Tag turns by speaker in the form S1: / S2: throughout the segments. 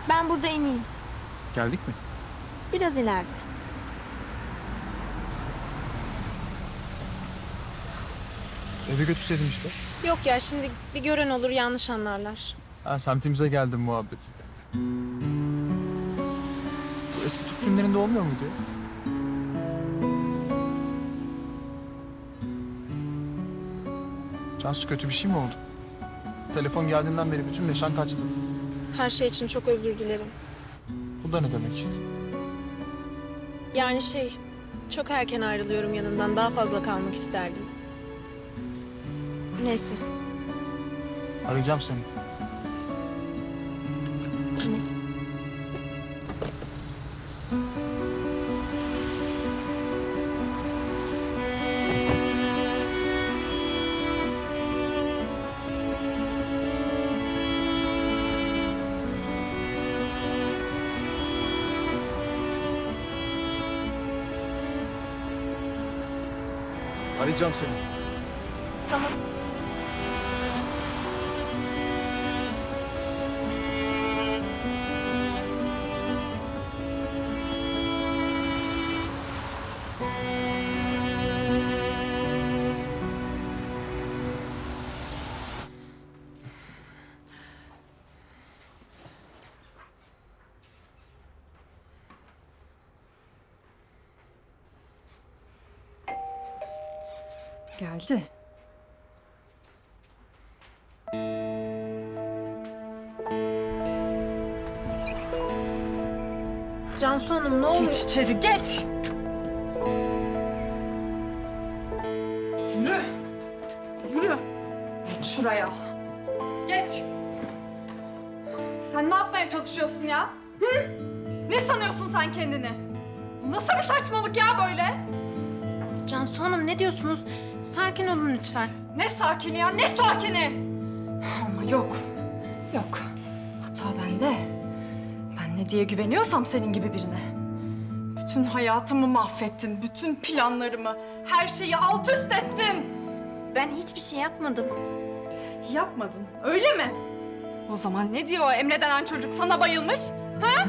S1: Ben burada ineyim.
S2: Geldik mi?
S1: Biraz ileride.
S2: Eve götürseydin işte.
S3: Yok ya şimdi bir gören olur yanlış anlarlar.
S2: Ha, semtimize geldim muhabbeti. Bu eski Türk filmlerinde olmuyor muydu ya? Cansu, kötü bir şey mi oldu? Telefon geldiğinden beri bütün neşan kaçtı.
S3: Her şey için çok özür dilerim.
S2: Bu da ne demek?
S3: Yani çok erken ayrılıyorum yanından. Daha fazla kalmak isterdim. Neyse.
S2: Arayacağım seni.
S3: Tamam.
S2: Arayacağım seni.
S3: Tamam.
S4: Geldi.
S3: Cansu Hanım ne olur.
S4: Geç içeri geç. Yürü. Yürü. Geç şuraya. Geç. Sen ne yapmaya çalışıyorsun ya? Hı? Ne sanıyorsun sen kendini? Nasıl bir saçmalık ya böyle?
S3: Cansu Hanım ne diyorsunuz? Sakin olun lütfen.
S4: Ne sakini ya, ne sakini? Ama yok, yok. Hata bende. Ben ne diye güveniyorsam senin gibi birine. Bütün hayatımı mahvettin, bütün planlarımı, her şeyi alt üst ettin.
S3: Ben hiçbir şey yapmadım.
S4: Yapmadın, öyle mi? O zaman ne diyor o Emre denen çocuk sana bayılmış? Ha?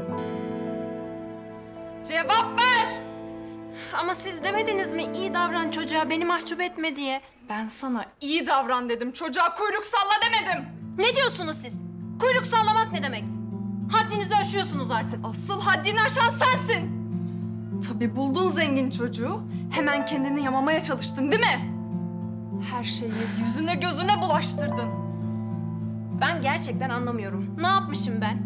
S4: Cevap ver!
S3: Ama siz demediniz mi iyi davran çocuğa beni mahcup etme diye?
S4: Ben sana iyi davran dedim, çocuğa kuyruk salla demedim.
S3: Ne diyorsunuz siz? Kuyruk sallamak ne demek? Haddinizi aşıyorsunuz artık.
S4: Asıl haddini aşan sensin. Tabii buldun zengin çocuğu. Hemen kendini yamamaya çalıştın değil mi? Her şeyi yüzüne gözüne bulaştırdın.
S3: Ben gerçekten anlamıyorum. Ne yapmışım ben?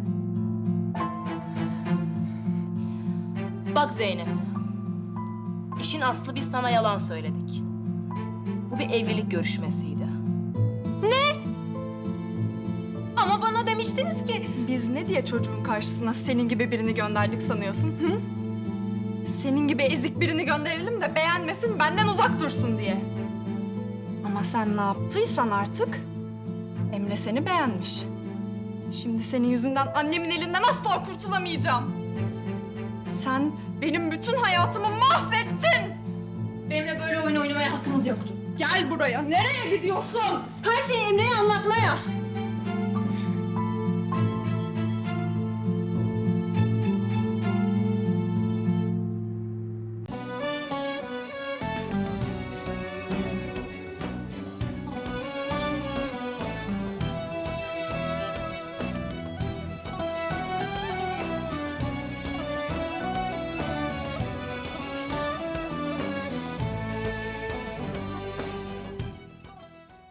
S5: Bak Zeynep, işin aslı biz sana yalan söyledik. Bu bir evlilik görüşmesiydi.
S3: Ama bana demiştiniz ki...
S4: Biz ne diye çocuğun karşısına senin gibi birini gönderdik sanıyorsun? Hı? Senin gibi ezik birini gönderelim de beğenmesin, benden uzak dursun diye. Ama sen ne yaptıysan artık Emre seni beğenmiş. Şimdi senin yüzünden annemin elinden asla kurtulamayacağım. Sen benim bütün hayatımı mahvettin.
S3: Benimle böyle oyun oynamaya hakkınız yoktu.
S4: Gel buraya. Nereye gidiyorsun?
S3: Her şeyi Emre'ye anlatmaya.